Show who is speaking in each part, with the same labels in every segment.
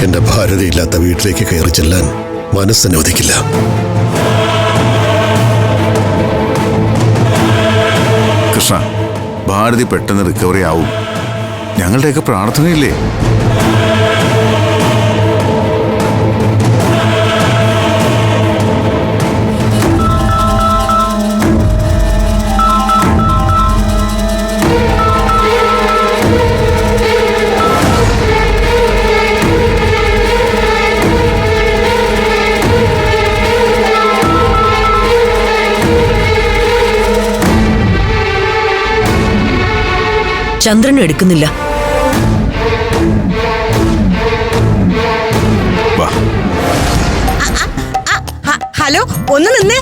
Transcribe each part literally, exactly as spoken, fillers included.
Speaker 1: എന്റെ ഭാര്യതയില്ലാത്ത വീട്ടിലേക്ക് കയറി ചെല്ലാൻ മനസ്സനുവദിക്കില്ല.
Speaker 2: കൃഷ്ണ, ഭാരതി പെട്ടെന്ന് റിക്കവറി ആവും. ഞങ്ങളുടെയൊക്കെ പ്രാർത്ഥനയില്ലേ?
Speaker 3: ചന്ദ്രനും എടുക്കുന്നില്ല.
Speaker 4: ഹലോ, ഒന്ന് നിന്ന്.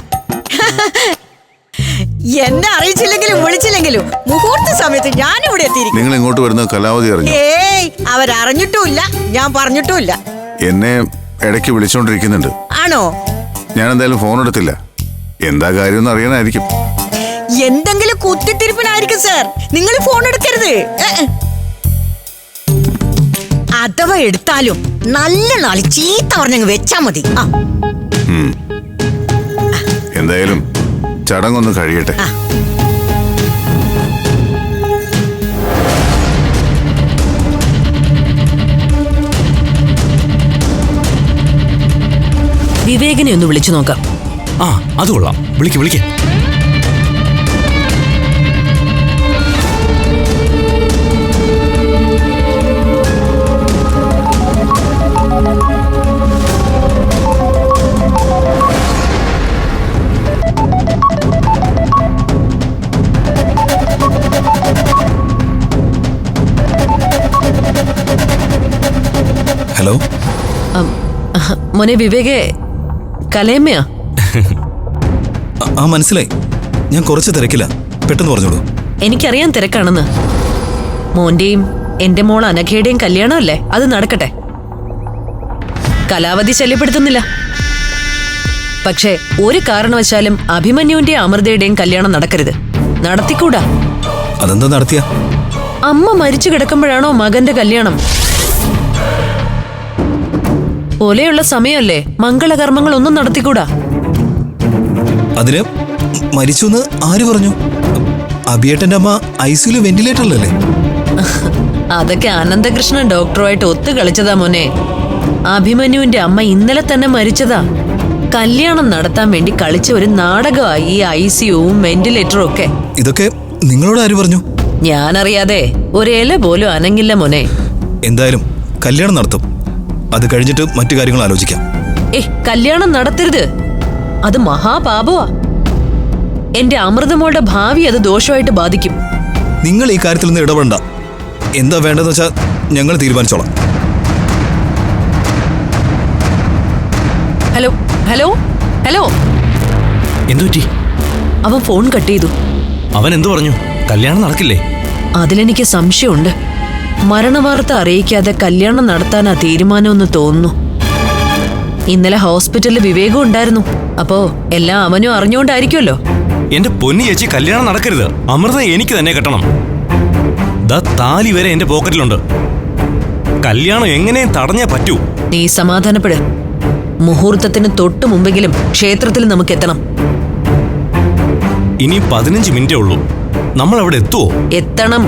Speaker 4: എന്നെ അറിയിച്ചില്ലെങ്കിലും വിളിച്ചില്ലെങ്കിലും മുഹൂർത്ത സമയത്ത് ഞാൻ ഇവിടെ എത്തിയിരിക്കും.
Speaker 2: നിങ്ങൾ ഇങ്ങോട്ട് വരുന്ന കലാവധി അറിഞ്ഞു?
Speaker 4: ഏയ്, അവരറിഞ്ഞിട്ടുമില്ല, ഞാൻ പറഞ്ഞിട്ടുമില്ല.
Speaker 2: എന്നെ ഇടയ്ക്ക് വിളിച്ചോണ്ടിരിക്കുന്നുണ്ട്.
Speaker 4: ആണോ?
Speaker 2: ഞാൻ എന്തായാലും ഫോൺ എടുത്തില്ല. എന്താ കാര്യം അറിയാനായിരിക്കും.
Speaker 4: എന്തെങ്കിലും കുത്തിത്തിരിപ്പിനായിരിക്കും സാർ. നിങ്ങൾ ഫോൺ എടുക്കരുത്. അഥവാ എടുത്താലും നല്ല നാളി ചീത്ത പറഞ്ഞങ്ങ് വെച്ചാ മതി.
Speaker 2: എന്തായാലും ചടങ്ങൊന്ന് കഴിയട്ടെ.
Speaker 3: വിവേകിനെ ഒന്ന് വിളിച്ചു നോക്കാം.
Speaker 5: ആ, അത് കൊള്ളാം. വിളിക്ക് വിളിക്ക്.
Speaker 6: ഹലോ.
Speaker 3: മോനെ വിവേകെ, കലയമ്മയാ?
Speaker 6: ആ, മനസ്സിലായി. ഞാൻ കുറച്ച് തിരക്കില്ല, പെട്ടെന്ന് പറഞ്ഞോളൂ.
Speaker 3: എനിക്കറിയാൻ തിരക്കാണെന്ന്. മോന്റെയും എന്റെ മോൾ അനഘയുടെയും കല്യാണമല്ലേ, അത് നടക്കട്ടെ. കലാവധി ശല്യപ്പെടുത്തുന്നില്ല. പക്ഷേ ഒരു കാരണവശാലും അഭിമന്യുവിന്റെയും അമൃതയുടെയും കല്യാണം നടക്കരുത്. നടത്തിക്കൂടാ.
Speaker 6: അതെന്താ നടത്തിയ?
Speaker 3: അമ്മ മരിച്ചു കിടക്കുമ്പോഴാണോ മകന്റെ കല്യാണം? പോലെയുള്ള സമയമല്ലേ, മംഗളകർമ്മങ്ങൾ ഒന്നും നടത്തിക്കൂടാ.
Speaker 6: അതിന് മരിച്ചു എന്ന് ആര് പറഞ്ഞു? അഭിയേട്ടന്റെ അമ്മ ഐസിയുല് വെന്റിലേറ്ററിലല്ലേ?
Speaker 3: അതൊക്കെ അനന്തകൃഷ്ണൻ ഡോക്ടറുമായിട്ട് ഒത്തു കളിച്ചതാ മോനെ. അഭിമന്യുവിന്റെ അമ്മ ഇന്നലെ തന്നെ മരിച്ചതാ. കല്യാണം നടത്താൻ വേണ്ടി കളിച്ച ഒരു നാടകമായി ഈ ഐസിയുവും വെന്റിലേറ്ററും ഒക്കെ.
Speaker 6: ഇതൊക്കെ നിങ്ങളോട് ആര് പറഞ്ഞു?
Speaker 3: ഞാനറിയാതെ ഒരേല പോലും അനങ്ങില്ല മോനെ.
Speaker 6: എന്തായാലും കല്യാണം നടത്തും. അത് കഴിഞ്ഞിട്ട് മറ്റു കാര്യങ്ങൾ ആലോചിക്കാം.
Speaker 3: ഏ, കല്യാണം നടത്തരുത്. അത് മഹാപാപമാ. എന്റെ അമൃതമോളുടെ ഭാവി അത് ദോഷമായിട്ട് ബാധിക്കും.
Speaker 6: നിങ്ങൾ ഈ കാര്യത്തിൽ നിന്ന് ഇടപെടണ്ട. എന്താ വേണ്ടതെന്ന് വെച്ചാൽ ഞങ്ങൾ തീരുമാനിച്ചോളാം.
Speaker 3: Hello hello hello.
Speaker 5: എന്തുപറ്റി?
Speaker 3: അവൻ ഫോൺ കട്ട് ചെയ്തു.
Speaker 5: അവൻ എന്തു പറഞ്ഞു? കല്യാണം നടക്കില്ലേ?
Speaker 3: അതിലെനിക്ക് സംശയമുണ്ട്. മരണവാർത്ത അറിയിക്കാതെ കല്യാണം നടത്താനാ തീരുമാനമെന്ന് തോന്നുന്നു. ഇന്നലെ ഹോസ്പിറ്റലിൽ വിവേകം ഉണ്ടായിരുന്നു. അപ്പോ എല്ലാം അവനും അറിഞ്ഞുകൊണ്ടായിരിക്കുമല്ലോ.
Speaker 5: എന്റെ പൊന്നി ചേച്ചി, കല്യാണം നടക്കരുത്. അമൃത എനിക്ക് തന്നെ കെട്ടണം. ദാ താലി വരെ എന്റെ പോക്കറ്റിലുണ്ട്. കല്യാണം എങ്ങനെയും തടഞ്ഞേ പറ്റൂ.
Speaker 3: നീ സമാധാനപ്പെട്. മുഹൂർത്തത്തിന് തൊട്ടു മുമ്പെങ്കിലും ക്ഷേത്രത്തിൽ നമുക്ക് എത്തണം.
Speaker 5: ഇനി പതിനഞ്ച് മിനിറ്റേ ഉള്ളൂ. നമ്മൾ അവിടെ എത്തുവോ?
Speaker 3: എത്തണം.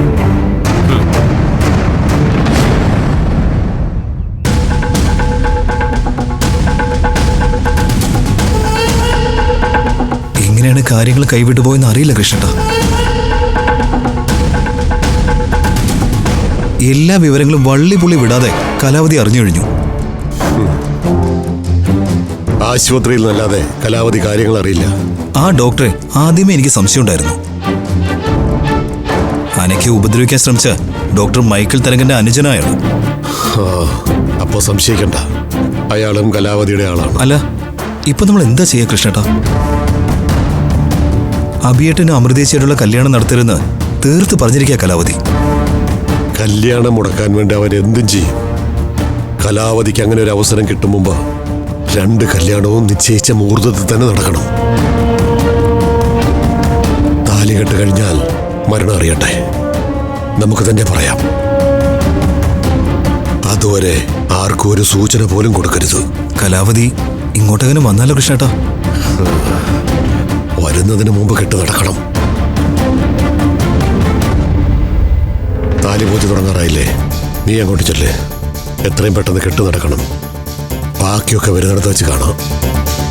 Speaker 6: എങ്ങനെയാണ് കാര്യങ്ങൾ കൈവിട്ടു പോയെന്ന് അറിയില്ല കൃഷ്ണ. എല്ലാ വിവരങ്ങളും വള്ളി പുള്ളി വിടാതെ കലാവധി അറിഞ്ഞു കഴിഞ്ഞു.
Speaker 1: ആശുപത്രിയിൽ നല്ലാതെ കലാവധി കാര്യങ്ങൾ അറിയില്ല.
Speaker 6: ആ ഡോക്ടറെ ആദ്യമേ എനിക്ക് സംശയമുണ്ടായിരുന്നു. അനയ്ക്ക് ഉപദ്രവിക്കാൻ ശ്രമിച്ച ഡോക്ടർ മൈക്കിൾ തരംഗന്റെ അനുജനായാണ്.
Speaker 1: അപ്പോ സംശയിക്കണ്ട, അയാളും കലാവധിയുടെ ആളാണ്.
Speaker 6: അല്ല, ഇപ്പൊ നമ്മൾ എന്താ ചെയ്യാ കൃഷ്ണേട്ടാ? അഭിയേട്ടനും അമൃതേശ്വരിയുള്ള കല്യാണം നടത്തരുന്ന് തീർത്ത് പറഞ്ഞിരിക്കുക കലാവധി.
Speaker 1: കല്യാണം മുടക്കാൻ വേണ്ടി അവൻ എന്തും ചെയ്യും. കലാവധിക്ക് അങ്ങനെ ഒരു അവസരം കിട്ടും മുമ്പ് രണ്ട് കല്യാണവും നിശ്ചയിച്ച മുഹൂർത്തത്തിൽ തന്നെ നടക്കണം. താലികെട്ട് കഴിഞ്ഞാൽ മരണം അറിയട്ടെ, നമുക്ക് തന്നെ പറയാം. അതുവരെ ആർക്കും ഒരു സൂചന പോലും കൊടുക്കരുത്.
Speaker 6: കലാവതി ഇങ്ങോട്ടെങ്ങനെ വന്നാലോ കൃഷ്ണേട്ടാ?
Speaker 1: വരുന്നതിന് മുമ്പ് കെട്ട് നടക്കണം. താലിപൂജ തുടങ്ങാറായില്ലേ? നീ അങ്ങോട്ട് ചെല്ലേ. എത്രയും പെട്ടെന്ന് കെട്ട് നടക്കണം. ബാക്കിയൊക്കെ വരുന്നിടത്ത് വെച്ച് കാണാം.